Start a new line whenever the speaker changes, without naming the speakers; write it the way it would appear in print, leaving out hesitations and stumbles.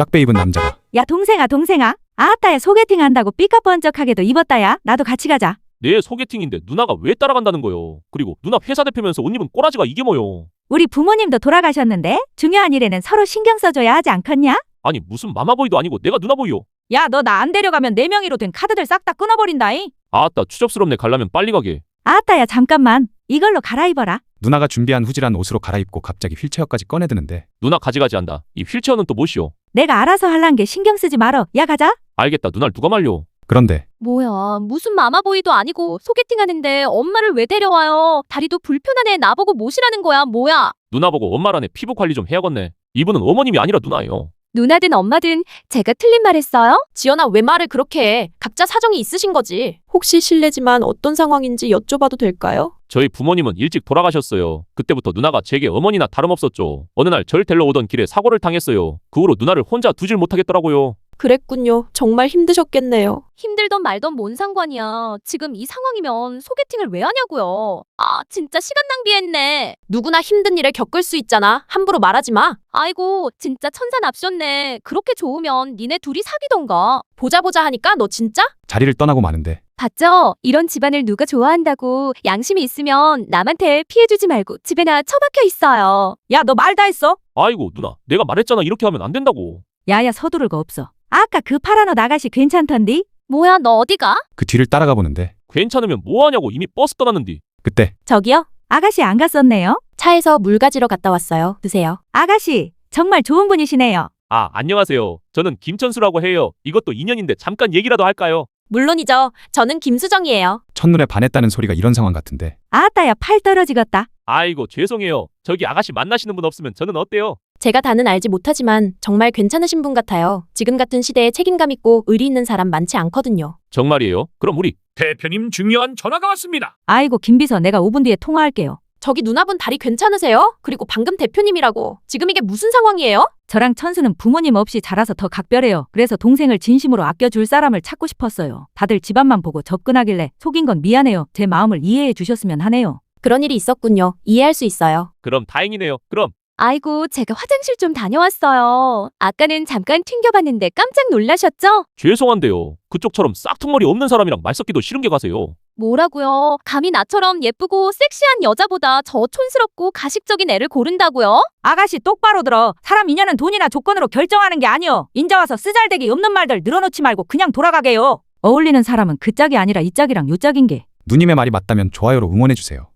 쫙배 입은 남자가
야 동생아 아따야 소개팅 한다고 삐까뻔쩍하게도 입었다야. 나도 같이 가자.
내 소개팅인데 누나가 왜 따라간다는 거요? 그리고 누나 회사 대표면서 옷 입은 꼬라지가 이게 뭐요?
우리 부모님도 돌아가셨는데 중요한 일에는 서로 신경 써줘야 하지 않겠냐?
아니 무슨 마마보이도 아니고 내가 누나보이요?
야 너 나 안 데려가면 내 명의로 된 카드들 싹 다 끊어버린다잉.
아따 추접스럽네. 가려면 빨리 가게.
아따야 잠깐만 이걸로 갈아입어라.
누나가 준비한 후질한 옷으로 갈아입고 갑자기 휠체어까지 꺼내드는데
누나 가지가지 한다. 이 휠체어는 또 뭐시오?
내가 알아서 할란 게 신경 쓰지 말어. 야 가자.
알겠다. 누나를 누가 말려?
그런데
뭐야, 무슨 마마보이도 아니고 소개팅 하는데 엄마를 왜 데려와요? 다리도 불편하네. 나보고 모시라는 거야, 뭐야?
누나 보고 엄마라네. 피부 관리 좀 해야겠네. 이분은 어머님이 아니라 누나예요.
누나든 엄마든 제가 틀린 말 했어요? 지연아, 왜 말을 그렇게 해? 각자 사정이 있으신 거지.
혹시 실례지만 어떤 상황인지 여쭤봐도 될까요?
저희 부모님은 일찍 돌아가셨어요. 그때부터 누나가 제게 어머니나 다름없었죠. 어느 날 절 데려 오던 길에 사고를 당했어요. 그 후로 누나를 혼자 두질 못하겠더라고요.
그랬군요. 정말 힘드셨겠네요.
힘들던 말던 뭔 상관이야. 지금 이 상황이면 소개팅을 왜 하냐고요. 아, 진짜 시간 낭비했네. 누구나 힘든 일을 겪을 수 있잖아. 함부로 말하지 마. 아이고, 진짜 천사납셨네. 그렇게 좋으면 니네 둘이 사귀던가. 보자 하니까 너 진짜?
자리를 떠나고 마는데
봤죠? 이런 집안을 누가 좋아한다고. 양심이 있으면 남한테 피해주지 말고 집에나 처박혀 있어요.
야 너 말 다 했어?
아이고 누나, 내가 말했잖아. 이렇게 하면 안 된다고.
야야 서두를 거 없어. 아까 그 파란 옷 아가씨 괜찮던디?
뭐야, 너 어디가?
그 뒤를 따라가 보는데
괜찮으면 뭐하냐고. 이미 버스 떠났는디.
그때
저기요? 아가씨 안 갔었네요?
차에서 물 가지러 갔다 왔어요. 드세요.
아가씨 정말 좋은 분이시네요.
아, 안녕하세요. 저는 김천수라고 해요. 이것도 인연인데 잠깐 얘기라도 할까요?
물론이죠. 저는 김수정이에요.
첫눈에 반했다는 소리가 이런 상황 같은데
아따야 팔 떨어지겠다.
아이고 죄송해요. 저기 아가씨 만나시는 분 없으면 저는 어때요?
제가 다는 알지 못하지만 정말 괜찮으신 분 같아요. 지금 같은 시대에 책임감 있고 의리 있는 사람 많지 않거든요.
정말이에요? 그럼 우리
대표님 중요한 전화가 왔습니다.
아이고 김비서 내가 5분 뒤에 통화할게요.
저기 누나분 다리 괜찮으세요? 그리고 방금 대표님이라고. 지금 이게 무슨 상황이에요?
저랑 천수는 부모님 없이 자라서 더 각별해요. 그래서 동생을 진심으로 아껴줄 사람을 찾고 싶었어요. 다들 집안만 보고 접근하길래 속인 건 미안해요. 제 마음을 이해해 주셨으면 하네요.
그런 일이 있었군요. 이해할 수 있어요.
그럼 다행이네요. 그럼
아이고, 제가 화장실 좀 다녀왔어요. 아까는 잠깐 튕겨봤는데 깜짝 놀라셨죠?
죄송한데요. 그쪽처럼 싹퉁머리 없는 사람이랑 말 섞기도 싫은 게 가세요.
뭐라고요? 감히 나처럼 예쁘고 섹시한 여자보다 저 촌스럽고 가식적인 애를 고른다고요?
아가씨 똑바로 들어. 사람 인연은 돈이나 조건으로 결정하는 게 아니여. 인자 와서 쓰잘데기 없는 말들 늘어놓지 말고 그냥 돌아가게요. 어울리는 사람은 그 짝이 아니라 이 짝이랑 요 짝인 게.
누님의 말이 맞다면 좋아요로 응원해주세요.